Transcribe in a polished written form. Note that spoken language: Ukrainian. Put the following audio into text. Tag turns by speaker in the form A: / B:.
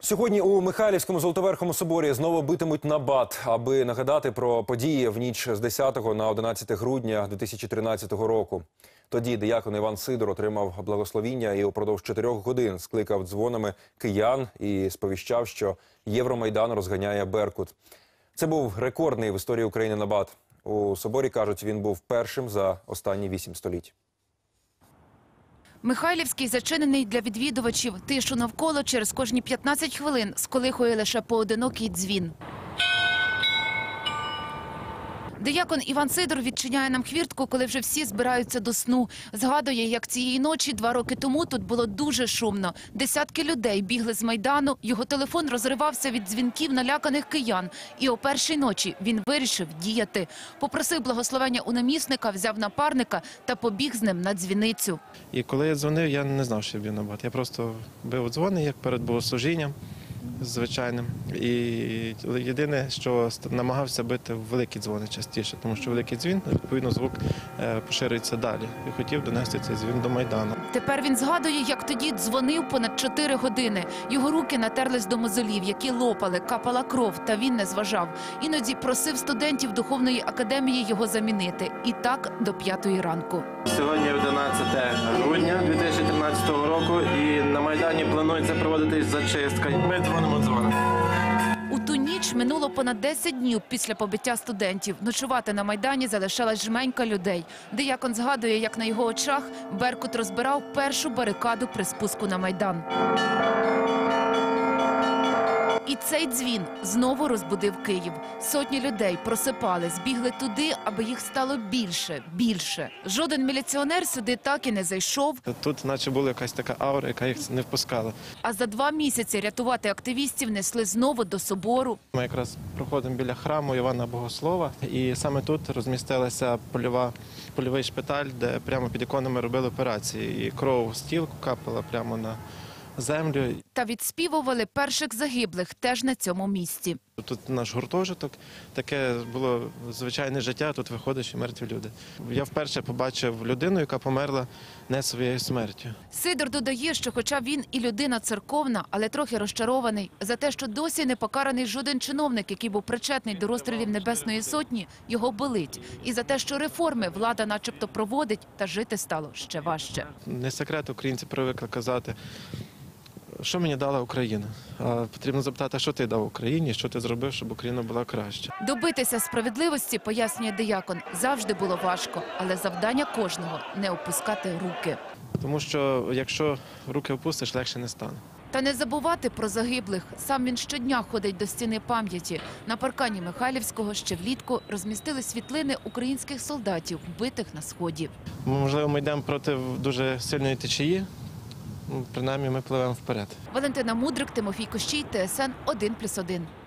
A: Сьогодні у Михайлівському Золотоверхому соборі знову битимуть набат, аби нагадати про події в ніч з 10 на 11 грудня 2013 року. Тоді диякон Іван Сидор отримав благословіння і упродовж 4 годин скликав дзвонами киян і сповіщав, що Євромайдан розганяє Беркут. Це був рекордний в історії України набат. У соборі, кажуть, він був першим за останні 8 століть.
B: Михайлівський зачинений для відвідувачів. Тишу навколо через кожні 15 хвилин сколихує лише поодинокий дзвін. Диякон Іван Сидор відчиняє нам хвіртку, коли вже всі збираються до сну. Згадує, як цієї ночі 2 роки тому тут було дуже шумно. Десятки людей бігли з Майдану, його телефон розривався від дзвінків наляканих киян. І о першій ночі він вирішив діяти. Попросив благословення у намісника, взяв напарника та побіг з ним на дзвіницю.
C: І коли я дзвонив, я не знав, що я б'ю набат. Я просто бив дзвони, як перед богослужінням звичайним. І єдине, що намагався бити великі дзвони частіше, тому що великий дзвін, відповідно, звук поширюється далі. І хотів донести цей дзвін до Майдану.
B: Тепер він згадує, як тоді дзвонив понад 4 години. Його руки натерлись до мозолів, які лопали, капала кров, та він не зважав. Іноді просив студентів Духовної академії його замінити. І так до 5-ї ранку.
C: Сьогодні 11 грудня 2013 року, і на Майдані планується проводитись зачистка. Ми дзвонимо дзвони.
B: У ту ніч минуло понад 10 днів після побиття студентів. Ночувати на Майдані залишалась жменька людей. Диякон згадує, як на його очах Беркут розбирав першу барикаду при спуску на Майдан. І цей дзвін знову розбудив Київ. Сотні людей просипались, бігли туди, аби їх стало більше, більше. Жоден міліціонер сюди так і не зайшов.
C: Тут наче була якась така аура, яка їх не впускала.
B: А за 2 місяці рятувати активістів несли знову до собору.
C: Ми якраз проходимо біля храму Івана Богослова, і саме тут розмістилася польовий шпиталь, де прямо під іконами робили операції. І кров з тіл капала прямо на землю.
B: Та відспівували перших загиблих теж на цьому місці.
C: Тут наш гуртожиток, таке було звичайне життя, тут виходять і мертві люди. Я вперше побачив людину, яка померла не своєю смертю.
B: Сидор додає, що хоча він і людина церковна, але трохи розчарований за те, що досі не покараний жоден чиновник, який був причетний до розстрілів Небесної Сотні, його болить. І за те, що реформи влада начебто проводить, та жити стало ще важче.
C: Не секрет, українці привикли казати, що мені дала Україна. А потрібно запитати, що ти дав Україні, що ти зробив, щоб Україна була краще.
B: Добитися справедливості, пояснює диякон, завжди було важко, але завдання кожного – не опускати руки.
C: Тому що якщо руки опустиш, легше не стане.
B: Та не забувати про загиблих. Сам він щодня ходить до стіни пам'яті. На паркані Михайлівського ще влітку розмістили світлини українських солдатів, вбитих на Сході.
C: Можливо, ми йдемо проти дуже сильної течії, принаймні ми пливемо вперед.
B: Валентина Мудрик, Тимофій Кощій, ТСН 1+1.